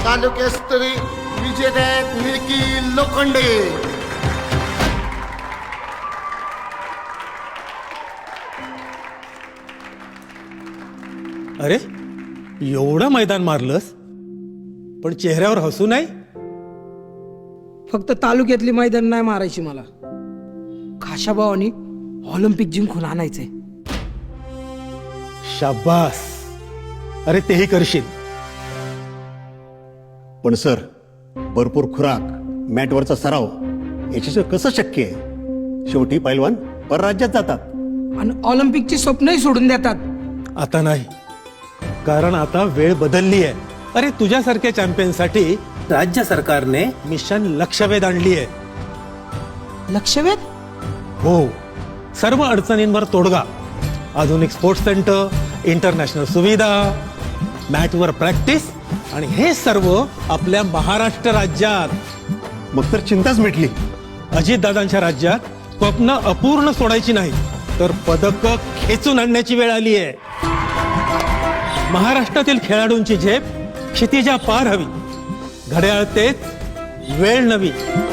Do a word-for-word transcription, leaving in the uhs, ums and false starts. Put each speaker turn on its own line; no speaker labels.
तालुक्यस्तरी विजेते निखिल लोखंडे.
अरे एवढं मैदान मारलंस पण चेहऱ्यावर हसू नाही.
फक्त तालुक्यातली मैदान नाही मारायची मला, खाशा भावानी ऑलिम्पिक जिंकून आणायचंय.
शाबास. अरे तेही करशील.
पण सर, भरपूर खुराक, मॅटवरचा सराव याच्याशिवाय कसं शक्य आहे? शेवटी पैलवान परराज्यात जातात
आणि ऑलिम्पिकची स्वप्नही सोडून देतात.
आता नाही, कारण आता वेळ बदलली आहे. अरे तुझ्यासारख्या चॅम्पियनसाठी राज्य सरकारने मिशन लक्षवेध आणली आहे.
लक्षवेध?
हो, सर्व अडचणींवर तोडगा. आधुनिक स्पोर्ट्स सेंटर, इंटरनॅशनल सुविधा, मॅटवर प्रॅक्टिस, आणि हे सर्व आपल्या महाराष्ट्र राज्यात.
मग तर चिंताच मिटली.
अजितदादांच्या राज्यात स्वप्न अपूर्ण सोडायची नाही, तर पदक खेचून आणण्याची वेळ आली आहे. महाराष्ट्रातील खेळाडूंची झेप क्षितिजा पार हवी. घड्याळ तेच, वेळ नवी.